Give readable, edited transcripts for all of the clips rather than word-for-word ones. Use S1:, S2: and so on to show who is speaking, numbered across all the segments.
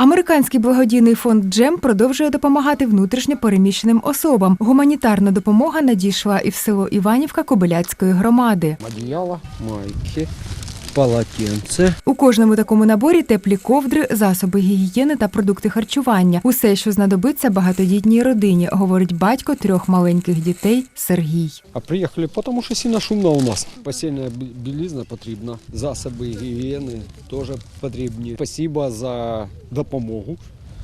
S1: Американський благодійний фонд «Джем» продовжує допомагати внутрішньо переміщеним особам. Гуманітарна допомога надійшла і в село Іванівка Кобиляцької громади.
S2: Одіяло, майки, полотенце.
S1: У кожному такому наборі теплі ковдри, засоби гігієни та продукти харчування. Усе, що знадобиться багатодітній родині, говорить батько 3 маленьких дітей Сергій.
S2: А приїхали, тому що сильно шумно у нас. Постільна білизна потрібна, засоби гігієни теж потрібні. Спасибо за допомогу.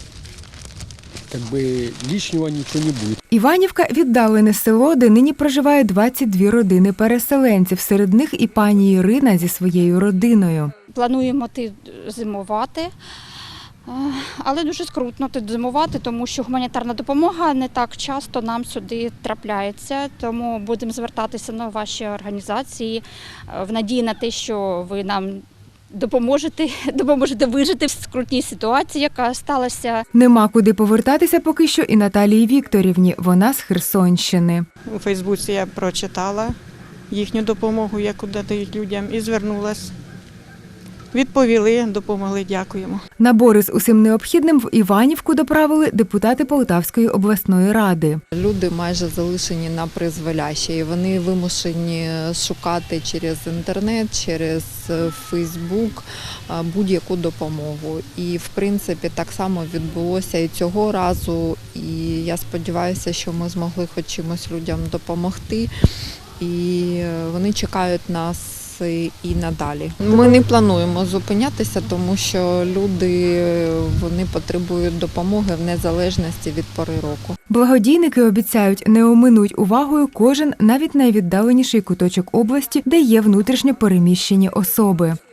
S2: Лишнього нічого не буде.
S1: Іванівка – віддалене село, де нині проживає 22 родини переселенців. Серед них і пані Ірина зі своєю родиною.
S3: Плануємо зимувати, але дуже скрутно зимувати, тому що гуманітарна допомога не так часто нам сюди трапляється. Тому будемо звертатися на ваші організації в надії на те, що ви нам допоможете вижити в скрутній ситуації, яка сталася.
S1: Нема куди повертатися поки що і Наталії Вікторівні. Вона з Херсонщини.
S4: У Фейсбуці я прочитала їхню допомогу, яку дають людям, і звернулася. Відповіли, допомогли, дякуємо.
S1: Набори з усім необхідним в Іванівку доправили депутати Полтавської обласної ради.
S5: Люди майже залишені на призволяще, і вони вимушені шукати через інтернет, через Фейсбук будь-яку допомогу. І, в принципі, так само відбулося і цього разу. І я сподіваюся, що ми змогли хоч чимось людям допомогти. І вони чекають нас і надалі. Ми не плануємо зупинятися, тому що люди вони потребують допомоги в незалежності від пори року.
S1: Благодійники обіцяють, не оминуть увагою кожен, навіть найвіддаленіший куточок області, де є внутрішньо переміщені особи.